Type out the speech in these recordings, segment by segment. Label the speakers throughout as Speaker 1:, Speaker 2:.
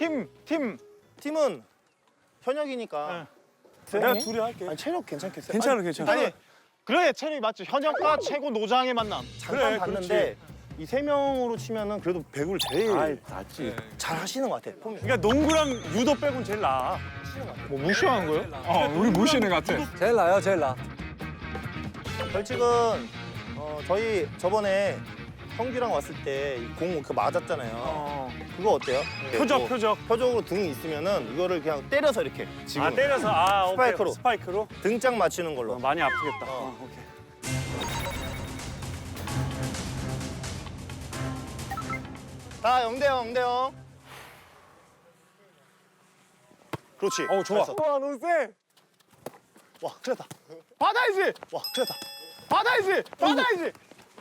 Speaker 1: 팀은 현역이니까.
Speaker 2: 내가 둘이 할게.
Speaker 1: 아니 체력 괜찮겠어요?
Speaker 2: 괜찮아, 괜찮아.
Speaker 3: 아니 그래 체력이 맞죠. 현역과 최고 노장의 만남.
Speaker 1: 잠깐
Speaker 2: 그래,
Speaker 1: 봤는데 이 세 명으로 치면은 그래도 배구를 제일
Speaker 2: 아이, 낫지.
Speaker 1: 잘 하시는 것 같아. 폼이.
Speaker 2: 그러니까 농구랑 유도 빼곤 제일 나아.
Speaker 3: 뭐 무시하는 거예요?
Speaker 4: 우리 무시는 것 같아.
Speaker 5: 제일 나요, 제일 나.
Speaker 1: 벌칙은 저희 저번에 형규랑 왔을 때 공 그 맞았잖아요. 그거 어때요?
Speaker 2: 표적,
Speaker 1: 뭐
Speaker 2: 표적.
Speaker 1: 표적으로 등이 있으면은 이거를 그냥 때려서 이렇게 지금
Speaker 2: 아, 때려서. 아, 오케이.
Speaker 1: 스파이크로.
Speaker 2: 스파이크로?
Speaker 1: 등짝 맞추는 걸로.
Speaker 2: 많이 아프겠다. 오케이.
Speaker 1: 자, 0대0, 0대0. 그렇지.
Speaker 2: 좋아.
Speaker 1: 잘했어.
Speaker 2: 와, 너무 세.
Speaker 1: 와, 큰일 났다.
Speaker 3: 받아야지.
Speaker 1: 와, 큰일 났다.
Speaker 3: 받아야지. 받아야지.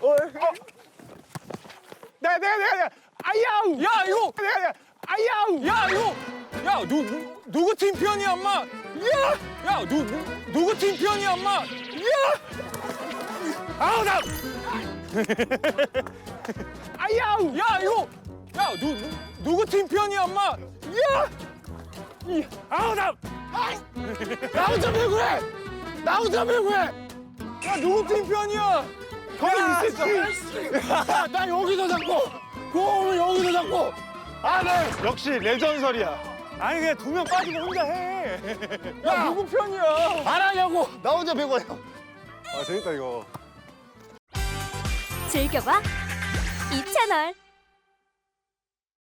Speaker 3: 내가. 아야우.
Speaker 4: 야 이거
Speaker 3: 내가. 아야우.
Speaker 4: 야 이거 야 누구 팀 편이야 엄마? 야 누구 팀 편이야 엄마?
Speaker 2: 아우, 나!
Speaker 3: 아야우.
Speaker 4: 야 이거 야 누구 팀 편이야 엄마?
Speaker 2: 아우, 나!
Speaker 3: 나 혼자 배구해. 나 혼자 배구해.
Speaker 4: 야 누구 팀 편이야?
Speaker 3: 거기 있었어. 나 여기서 잡고. 공을 여기서 잡고. 아, 네. 역시 레전설이야.
Speaker 2: 아니, 그냥 두 명 빠지고 혼자 해.
Speaker 4: 야 누구 편이야?
Speaker 3: 안 하냐고.
Speaker 1: 나 혼자 배구해요.
Speaker 2: 아, 재밌다, 이거.
Speaker 6: 즐겨봐 이 채널.